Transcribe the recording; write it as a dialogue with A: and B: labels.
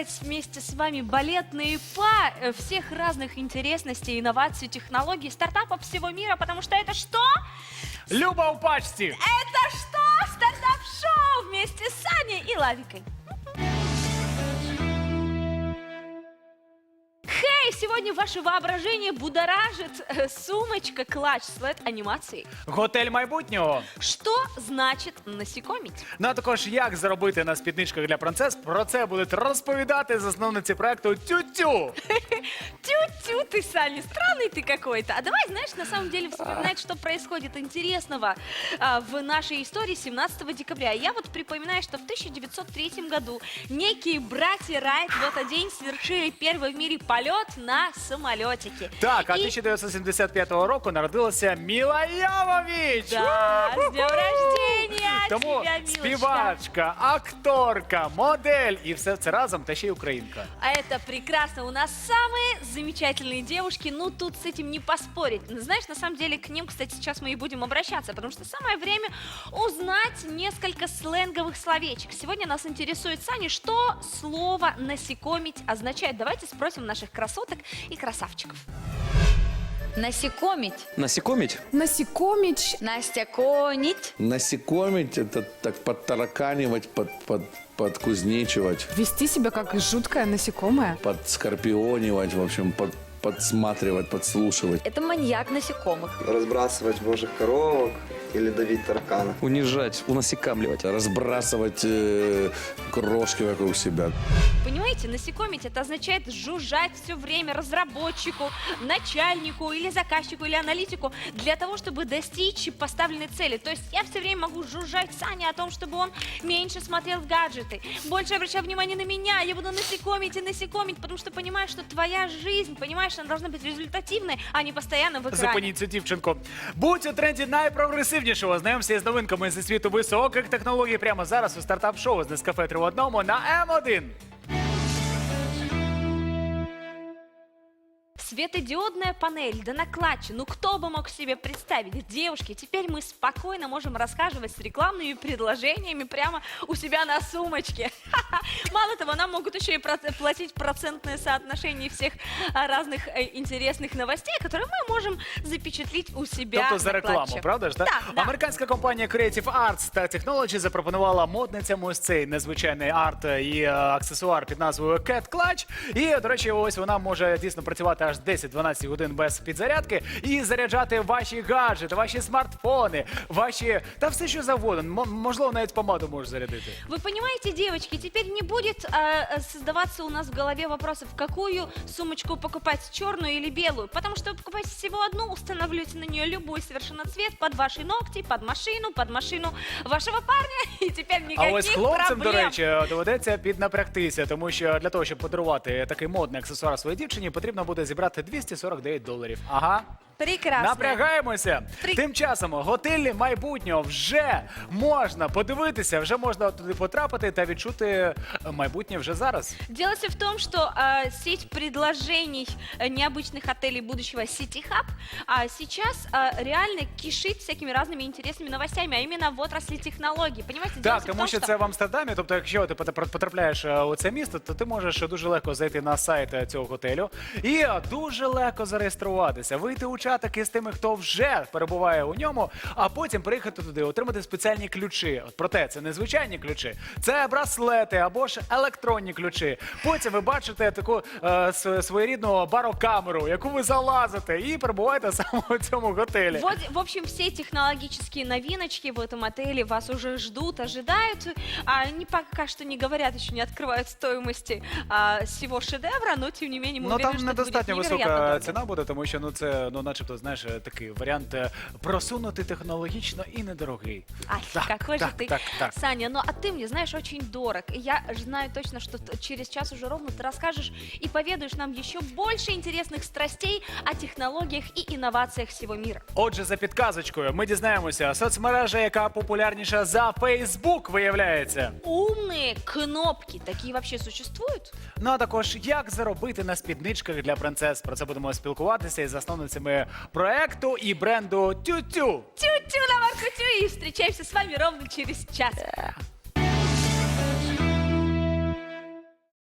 A: рассказать вместе с вами балетные па всех разных интересностей, инноваций, технологий, стартапов всего мира, потому что это что?
B: Люба у пачці!
A: Это что? Стартап-шоу вместе с Саней и Лавикой. Хей, сегодня ваше воображение будоражит сумочка-клатч с LED-анимацией.
B: Готель майбутнього.
A: Что значит насекомить?
B: Ну а також як заробити на спідничках для принцес, про це будуть розповідати засновниці проекту Тю-Тю.
A: Тю-тю ты, Саня, странный ты какой-то. А давай, знаешь, на самом деле вспоминать, что происходит интересного в нашей истории 17 декабря. Я вот припоминаю, что в 1903 году некие братья Райт в этот день совершили первый в мире полет на самолетике.
B: Так, а
A: И-
B: 1975 року народилася Міла Йовович.
A: Да, с днем рождения
B: Тому
A: тебя, милочка.
B: співачка, акторка, модель і все це разом, та ще й українка.
A: А это прекрасно. У нас самые замечательные девушки. Ну, тут с этим не поспорить. Знаешь, на самом деле, к ним, кстати, сейчас мы и будем обращаться, потому что самое время узнать несколько сленговых словечек. Сегодня нас интересует, Саня, что слово «насекомить» означает. Давайте спросим наших красоток и красавчиков.
C: Насекомить.
D: Насекомить?
E: Насекомить.
C: Настяконить.
F: Насекомить — это так подтараканивать, подкузнечивать,
E: Вести себя как жуткое насекомое.
F: подскорпионивать, в общем, подсматривать, подслушивать.
C: Это маньяк насекомых.
G: Разбрасывать божьих коровок или давить таракана.
D: Унижать, унасекамливать.
F: Разбрасывать крошки вокруг себя.
A: Понимаете, насекомить это означает жужжать все время разработчику, начальнику или заказчику или аналитику для того, чтобы достичь поставленной цели. То есть я все время могу жужжать Сане о том, чтобы он меньше смотрел в гаджеты, больше обращал внимание на меня, я буду насекомить и насекомить, потому что понимаю, что твоя жизнь, понимаешь, она должна быть результативной, а не постоянно в экране.
B: Зупиніть цю дівчинку. Будь у тренді найпрогресивнішого. Знайомся з новинками зі світу високих технологій прямо зараз у стартап-шоу з Нескафе 3 в одному на М1.
A: Светодиодная панель, да на клатче. Ну кто бы мог себе представить? Девушки, теперь мы спокойно можем расхаживать с рекламными предложениями прямо у себя на сумочке. Мало того, нам могут еще и платить процентное соотношение всех разных интересных новостей, которые мы можем запечатлеть у себя
B: Тобто
A: на
B: за рекламу,
A: клатче.
B: правда ж? Так?
A: Да.
B: Американська компанія Creative Arts та Technology запропонувала модницям ось цей незвичайний арт і аксесуар під назвою Cat Clutch. І, до речі, ось вона може дійсно працювати аж 10-12 годин без підзарядки і заряджати ваші гаджети, ваші смартфони, ваші... та все, що завгодно. Можливо, навіть помаду може зарядити.
A: Вы понимаете, девочки, теперь не будет создаваться у нас в голове вопросов, какую сумочку покупать, черную или белую, потому что вы покупаете всего одну, устанавливаете на нее любой совершенно цвет под ваши ногти, под машину вашего парня, и теперь
B: А
A: никаких
B: ось хлопцям, до
A: проблем.
B: речі, доведеться піднапрягтися, тому що для того, щоб подарувати такий модний аксесуар своїй дівчині, потрібно буде зібрати $249. Ага.
A: Прекрасно.
B: Напрягаємося. Тим часом готелі майбутнього вже можна подивитися, вже можна туди потрапити та відчути майбутнє вже зараз.
A: Дело все в том, что сеть предложений необычных отелей будущего City Hub сейчас реально кишит всякими разными интересными новостями, а именно в отрасли технологий. Понимаете, дело
B: Так,
A: все в
B: тому
A: том,
B: що це в Амстердамі, тобто якщо ти потрапляєш у це місто, то ти можеш дуже легко зайти на сайт цього готелю і дуже легко зареєструватися, вийти у чатики з тими, хто вже перебуває у ньому, а потім приїхати туди, отримати спеціальні ключі. Проте це не звичайні ключі, це браслети або ж електронні ключі. Потім ви бачите таку своєрідну барокамеру, яку ви залазите і перебуваєте саме у цьому готелі.
A: Вот, в общем, все технологические новиночки в этом отеле вас уже ждут, ожидают. Они пока что не говорят, еще не открывают стоимости всего шедевра, но тем не менее мы
B: Ну
A: уверены,
B: там
A: что это будет
B: недостатньо
A: невероятно
B: висока
A: дорого.
B: ціна буде, тому що це, начебто, знаєш, такий варіант просунутий технологічно і недорогий.
A: Ай, какой же ты,
B: так.
A: Саня, ну а ты мне, знаешь, очень дорог. И я знаю точно, что через час уже ровно ты расскажешь и поведаешь нам еще больше интересных страстей о технологиях и инновациях всего мира.
B: Отже, за підказочкою ми дізнаємося, соцмережа, яка популярніша за Facebook, виявляється.
A: Умные кнопки, такие вообще существуют?
B: Ну а також, як заробити на спідничках для принцес. Про це будемо спілкуватися із засновницями проекту і бренду Тю-Тю.
A: Тю-тю на Марку-тю и встречаемся с вами ровно через час.